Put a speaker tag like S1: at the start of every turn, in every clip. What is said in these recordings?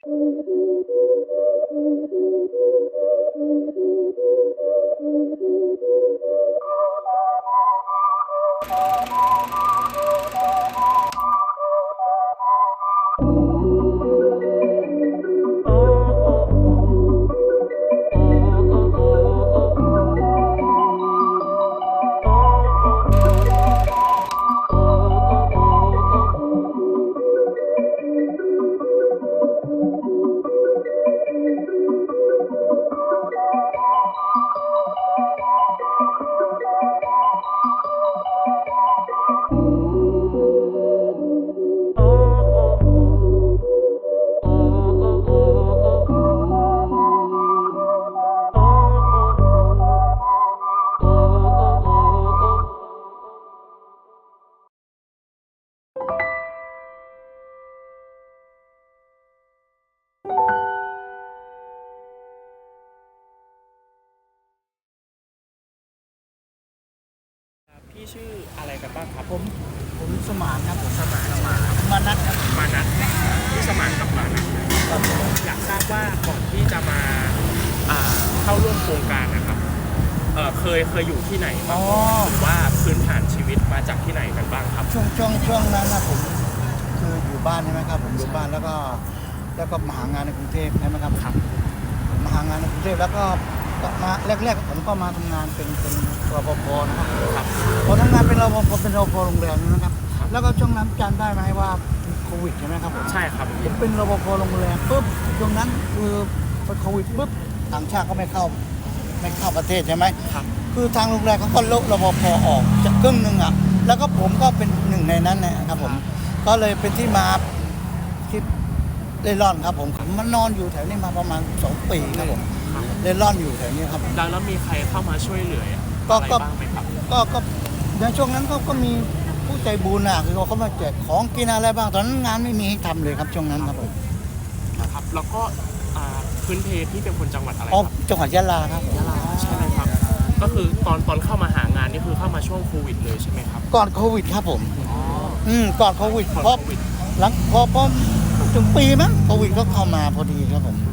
S1: พี่ชื่ออะไรกันบ้างครับ
S2: ผมสมานครับผม
S1: สมาน
S2: มานัดครับ
S1: มานัดพี่สมานกับมานัดอยากทราบว่าก่อนที่จะมาเข้าร่วมโครงการนะครับเคยอยู่ที่ไหนบ้างหรือว่าพื้นฐานชีวิตมาจากที่ไหนกันบ้างครับ
S2: ช่วงนั้นนะผมคืออยู่บ้านใช่ไหมครับผมอยู่บ้านแล้วก็มาหางานในกรุงเทพใช่ไหมครับมาหางานในกรุงเทพแล้วก็มาแรกๆผมก็มาทำงานเป็นรปภนะครับพอทำงานเป็นรปภโรงแรมนะครับแล้วก็ช่วงนั้นจำได้ไหมว่าโควิดใช่ไหมครับผม
S1: ใช่ครับ
S2: ผมเป็นรปภโรงแรมปุ๊บช่วงนั้นคือพอโควิดปุ๊บต่างชาติก็ไม่เข้าประเทศใช่ไหม
S1: ครับ
S2: คือทางโรงแรมเขาก็ลดรปภออกจากครึ่งนึงอ่ะแล้วก็ผมก็เป็นหนึ่งในนั้นนะครับผมก็เลยเป็นที่มาที่เล่ร่อนครับผมมันนอนอยู่แถวนี้มาประมาณ2 ปีครับผมเล่ร่อนอยู่แถวนี้ครับผม
S1: แล้วมีใครเข้ามาช่วยเหลืออะไรบ้างไหมครับ
S2: ก็ในช่วงนั้นก็มีผู้ใจบุญอ่ะคือเขามาแจกของกินอะไรบ้างตอนนั้นงานไม่มีให้ทำเลยครับช่วงนั้นครับผม
S1: ครับแล้วก็พื้นเพที่เป็นคนจังหวัดอะไรค
S2: รับจังหวัดยะลาครับ
S1: ยะลาใช่ไหมครับก็คือตอนเข้ามาหางานนี่คือเข้ามาช่วงโควิดเลยใช่ไหมครับ
S2: ก่อนโควิดครับผมก่อนโควิดเพราะหลังพอถึงปีมั้งโควิดก็เข้ามาพอดีครับผม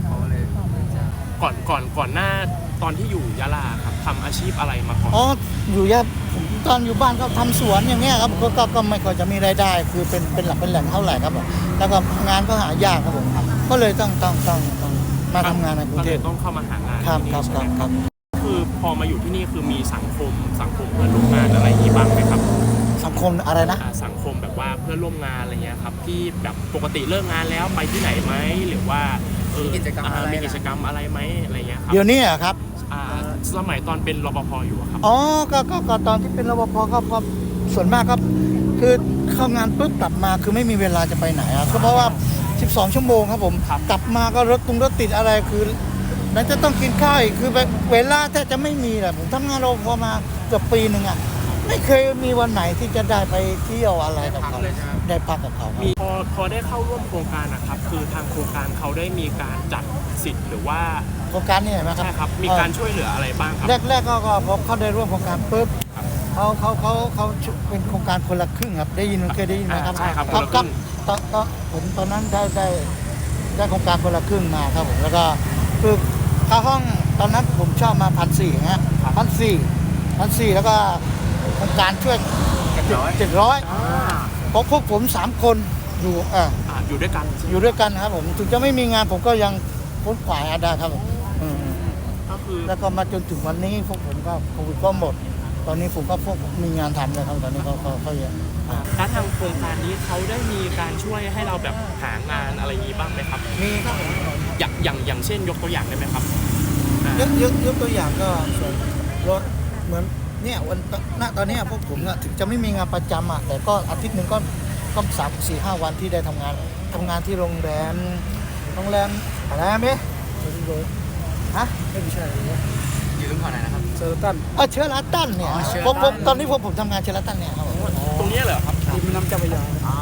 S1: ก่อนหน้าตอนที่อยู่ยะลาครับทำอาชีพอะไรมาก่อน
S2: อยู่ตอนอยู่บ้านก็ทำสวนอย่างเงี้ยครับก็ไม่ค่อยจะมีรายได้คือเป็นหลักเป็นแหล่งเท่าไหร่ครับแล้วก็งานก็หายากครับผมก็เลยต้องมาทำงานในกรุงเทพ
S1: ต้องเข้ามาหางาน
S2: ครับ
S1: คือพอมาอยู่ที่นี่คือมีสังคมเพื่อนร่วมงานอะไรที่บ้างไหมครับ
S2: สังคมอะไรนะ
S1: สังคมแบบว่าเพื่อนร่วมงานอะไรเงี้ยครับที่แบบปกติเลิกงานแล้วไปที่ไหนไหมหรือว่ามีกิจกรรมอะไรไหมอะไรเงี้ยครับ
S2: เดี๋ยวนี้ครับ
S1: สมัยตอนเป็นรปภอยู่ครับ
S2: ก็ตอนที่เป็นรปภก็ส่วนมากก็คือเข้างานปุ๊บกลับมาคือไม่มีเวลาจะไปไหนครับเพราะว่า12 ชั่วโมงครับผมกลับมาก็รถติดอะไรคือนั้นจะต้องกินข้าวอีกคือเวลาแทบจะไม่มีแหละผมทำงานรปภมาเกือบปีนึงอ่ะไม่เคยมีวันไหนที่จะได้ไปเที่ยวอะไรกับเขาได้พักกับเขา
S1: พอได้เข้าร่วมโครงการนะครับคือทางโครงการเขาได้มีการจัดสิทธิ์หรือว่า
S2: โครงการนี่เห็นไหมครับ
S1: ใช่ครับมีการช่วยเหลืออะไรบ้างครับ
S2: แรกก็พอเขาได้ร่วมโครงการปุ๊บเขาเป็นโครงการคนละครึ่งครับเคยได้ยินไหมครับ
S1: ใช่ครับ
S2: ผมตอนนั้นได้โครงการคนละครึ่งมาครับผมแล้วก็คือค่าห้องตอนนั้นผมชอบมา1,400ฮะ1,400แล้วก็โครงการช่วย700เพราะพวกผม3 คน
S1: อยู่ด้วย
S2: กันครับผมถึงจะไม่มีงานผมก็ยังพ้นขวายได้ครับผม
S1: ก็คือ
S2: แล้วก็มาจนถึงวันนี้พวกผมก็โควิดก็หมดตอนนี้ผมก็มีงานทำเลยครับตอนนี้เขาเยอะ
S1: แล้วทางโครงการนี้เขาได้มีการช่วยให้เราแบบหางานอะไรนี้บ้างไหมครับ
S2: มีครับ
S1: อย่างเช่นยกตัวอย่างได้ไหมครับ
S2: ยกตัวอย่างก็ส่วนรถเหมือนเนี่ยตอนนี้พวกผมถึงจะไม่มีงานประจำแต่ก็อาทิตย์หนึ่งก็3-4-5 วันที่ได้ทำงานที่โรงแรมอะไรไหมฮะไม่ใช่
S1: อยู่ตรงไหนนะครับ
S2: เชอร์ตันเนี่ยตอนนี้ผมทำงานเชอร์ตันเนี่ยครับ
S1: ตรงนี้เหรอครับ
S2: ติดแม่น้ำเจ้าพระยา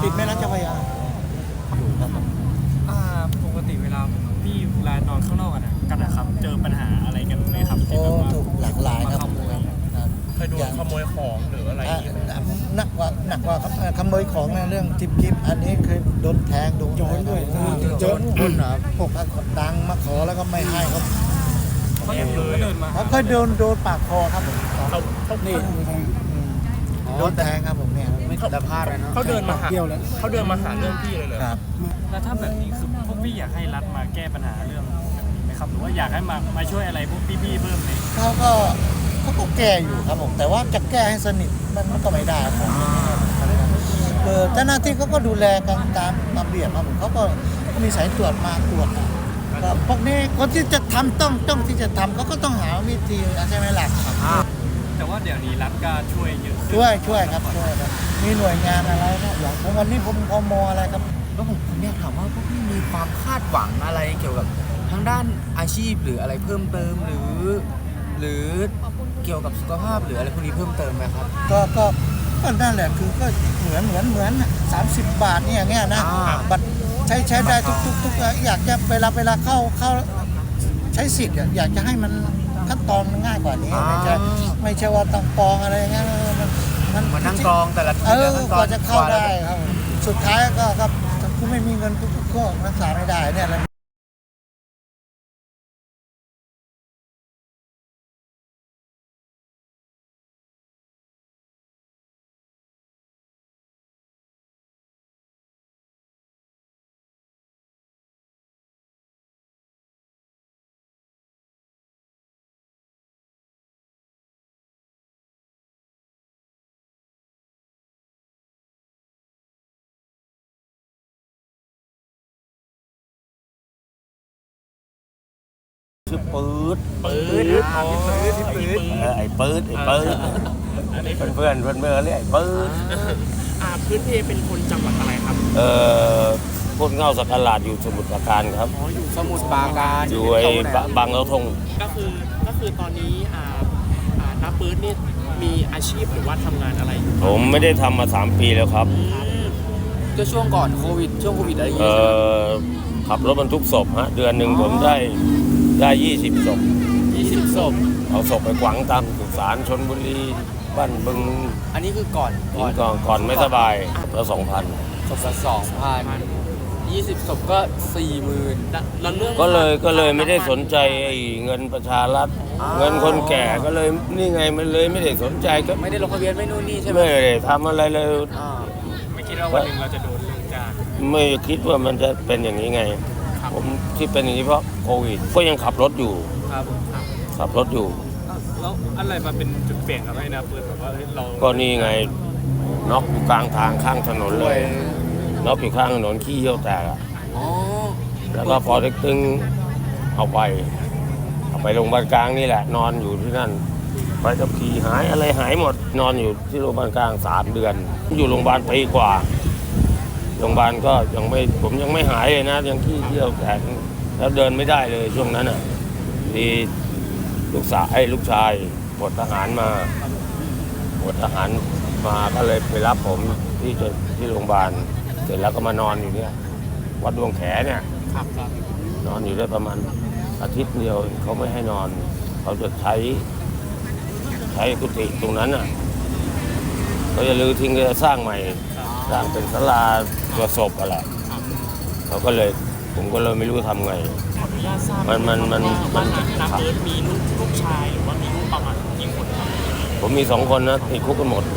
S3: ปกติเวลานอนข้างนอกกันนะครับเจอปัญหาอะไรกันไหมครับที่แบบว่า
S2: หลากหลายครับ
S1: ยโดนขโมยของหรืออะไรอย่างเงี้ยไหม
S2: หนักกว่าครับขโมยของในเรื่องทิปกิฟอันนี้คือโดนแทงโดนโจรด้วยโจรคนเหรอพวกตังค์มาขอแล้วก็ไม่ให้ครับ
S3: เขายังอยู่ก็เดินมา
S2: เขาเคยโดนปาดคอครับผม
S1: เขา
S3: นี่
S2: โดนแทงครับผมเนี่ย
S3: ไม่แต่พลาดเลยเนาะ
S1: เขาเดินมาหา
S3: เดียวแล้ว
S1: เขาเดินมาหาเรื่องพี่เลยเหรอ
S2: ครับ
S3: แล้วถ้าแบบนี้คือพวกพี่อยากให้รัฐมาแก้ปัญหาเรื่องแบบนี้ไหมครับหรือว่าอยากให้มาช่วยอะไรพวกพี่ๆเพิ่มไหม
S2: เขาก็แก้อยู่ครับผมแต่ว่าจะแก้ให้สนิทมันก็ไม่ได้ครับเจ้าหน้าที่เขาก็ดูแลกันตามระเบียบครับผมเขาก็มีสายตรวจมาตรวจครับพวกนี้คนที่จะทำต้องที่จะทำเขาก็ต้องหาวิธีใช่ไหมล่ะครับ
S3: แต่ว่าเดี๋ยวนี้รัฐก็ช่วยเยอะขึ้น
S2: ช่วยครับมีหน่วยงานอะไรนะอย่างผมวันนี้ผมพมอะไรครับ
S4: แล้วผมอยากถามว่าพวกพี่มีความคาดหวังอะไรเกี่ยวกับทางด้านอาชีพหรืออะไรเพิ่มเติมหรือเกี่ยวกับสุขภาพหรืออะไรพวกนี้เพิ่มเติมไหมครับ
S2: ก็นั่นแหละคือก็เหมือน30 บาทเนี่ยอย่างเงี้ยนะ
S4: อ่า
S2: บัตรใช้ได้ทุกอยากจะเวลาเข้าใช้สิทธิ์อยากจะให้มันขั้นตอนมันง่ายกว่านี้ไม่ใช่ว่าต้องกรองอะไรอย่างเงี้ยมัน
S4: มานั่งกรองแต่ละ
S2: กว่าจะเข้าได้ครับสุดท้ายก็ครับถ้าคุณไม่มีเงินก็รักษาไม่ได้เนี่ยแหละ
S5: ชื่อปื๊ด
S1: ปืนอ๋อที่ปืน
S5: ไอ้ปื๊ด
S1: อันนี้
S5: เพื่อนเรียกไอ้ปื๊ด
S1: พื้นเพเป็นคนจังหวัดอะไรครับ
S5: พูดเงาสักการาดอยู่สมุทรปราการครับ
S1: อ๋ออยู่
S4: สมุดปราการ
S5: อยู่ไอ้บางเราทง
S1: ก็คือตอนนี้น้าปื๊ดนี่มีอาชีพหรือว่าทำงานอะไรอยู่
S5: ผมไม่ได้ทำมา3 ปีแล้วครับ
S4: ก็ช่วงก่อนโควิดช่วงโควิดอะไรอย่าง
S5: เอ่
S4: เงี้ย
S5: อขับรถบรรทุกศพฮะเดือนหนึ่งผมได้20 ศพ
S1: 20 ศพ
S5: เอาศพไปขวางตามสุสานชนบุรีบ้านบึง
S4: อันนี้คือก่อน
S5: ก่อนไม่สบายแล้ว2,000
S4: ศพละ2,000 20ศพก็ 40,000
S1: แล้วเรื่อง
S5: ก็เลยไม่ได้สนใจไอ้เงินประชารัฐเงินคนแก่ก็เลยนี่ไงมันเลยไม่ได้สนใจก็
S4: ไม่ได้ลงทะเบียนไม่นู่นนี่ใช่ไหม
S5: ไม่ได้ทำอะไรเลย
S4: อ่า
S3: ไม่คิดว่าวันหนึ่งเราจะโดนลงจาก
S5: ไม่คิดว่ามันจะเป็นอย่างนี้ไง ผมที่เป็นอย่างนี้เพราะโควิดก็ยังขับรถอยู่
S3: ครับ
S5: ขับรถอยู่
S3: แล้วอะไรมาเป็นจุดเปลี่ยนทำให้นะปืนแบบว่าเรา
S5: ก็นี่ไงน็อกอยู่กลางทางข้างถนนเลยน็อกอยู่ข้างถนนขี้เยี่ยวแตกอะ
S4: อ๋อ
S5: แล้วก็พอเด็กตึงเอาไปโรงพยาบาลกลางนี่แหละ นอนอยู่ที่นั่นไปกับขี่หายอะไรหายหมด นอนอยู่ที่โรงพยาบาลกลาง3 เดือน อยู่โรงพยาบาลปีกว่าโรงพยาบาลก็ผมยังไม่หายเลยนะยังขี้เยี่ยวแตกแล้วเดินไม่ได้เลยช่วงนั้นอ่ะดีลูกชายปลดทหารมาก็เลยไปรับผมที่โรงพยาบาลเสร็จแล้วก็มานอนอยู่เนี่ยวัดดวงแขเนี่ย
S1: ครับ
S5: นอนอยู่ได้ประมาณอาทิตย์เดียวเขาไม่ให้นอนเขาจะใช้กุฏิตรงนั้นอ่ะเขาจะรื้อทิ้งก็จะสร้างใหม่สร้างเป็นศาลาตัวศพอะไรผมก็เลยไม่รู้ทำไง
S1: ขออนุญาตทราบ
S5: มัน
S1: ว่าน้าปื๊ดมีลูกชายหรือว่ามีลูกประมาณกี่คนครับ
S5: ผมมี2 คนนะติดคุกกันหมด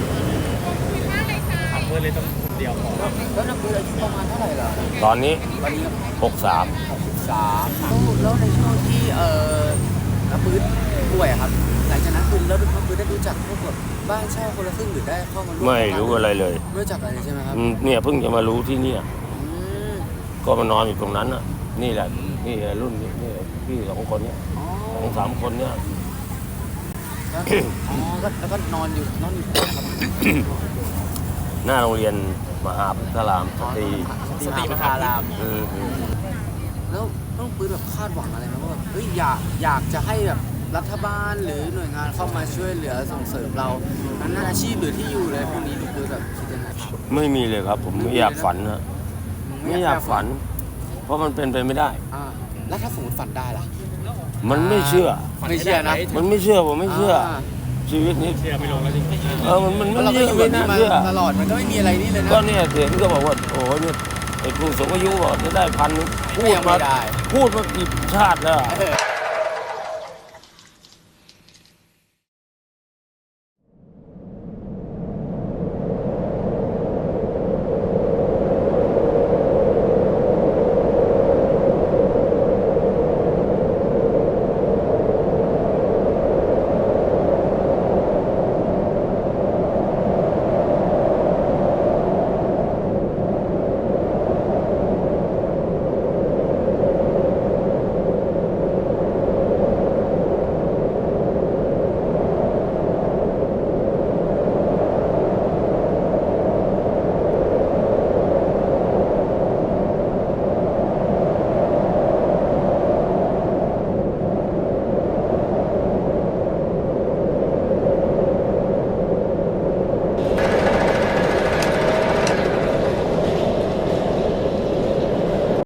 S3: เพื่อนเลยต้องคนเดียวพอ
S4: แล้วนักเรียนอายุประมาณเท่าไหร่ล่ะ
S5: ตอนนี้
S4: วันนี้
S5: 63
S4: 63แล้วในช่วงที่นักปืนป่วยอะครับหลังจากนั้นคุณแล้วนักปืนได้รู้จักพวกแบบบ้านเช่าคนละครึ่งหรือได้เข้ามาร่วม
S5: ไม่รู้อะไรเลย
S4: ไม่รู้จักอะไรใช่ไหมครับ
S5: เนี่ยเพิ่งจะมารู้ที่เนี่ย
S4: อืม
S5: ก็มานอนอยู่ตรงนั้นน่ะนี่แหละนี่รุ่นนี้นี่พี่2 คนเนี่ย
S4: อ๋อ
S5: 2-3 คนเนี่ย
S4: แล้วอ๋อแล้วก็นอนอยู่นะครับ
S5: หน้าโรงเรียนมหาพุทธารามสตรี
S4: สติปัฏฐานราม
S5: อืม
S4: แล้วต้องปืนแบบคาดหวังอะไรไหมว่าแบบเฮ้ยอยากจะให้แบบรัฐบาลหรือหน่วยงานเข้ามาช่วยเหลือส่งเสริมเราทางด้านอาชีพหรือที่อยู่อะไรพวกนี้คือแบบคิดยังไงครับ
S5: ไม่มีเลยครับ ผมไม่อยากฝันนะไม่อยากฝัน เพราะมันเป็นไปไม่ได้
S4: อ่าแล้วถ้าสมมติฝันได้ล่ะ
S5: มันไม่เชื่อ
S4: ไม่เชื่อนะ
S5: มันไม่เชื่อผมไม่เชื่อ
S4: า
S5: ชีวิตนี้
S3: เชื่อไม่ลงแล้วจริง
S5: มัน
S4: แล้วเรา
S5: เย
S4: ก็อ
S5: อะ
S4: ยู่
S5: ไป
S4: แบบนี้
S5: นะ
S4: มา
S5: เชื่อ
S4: ตลอดมันก็ไม่มีอะไรนี่เลยนะ
S5: ก็เนี่ยเห็นก็บอกว่าโอ้โหเนี่ยไอ้ผู้สูงอายุบอกจะได้1,000พูด
S4: ยัง
S5: มา
S4: ไม่ได้
S5: พูดมากี่ชาติแล้วอะ
S4: เออ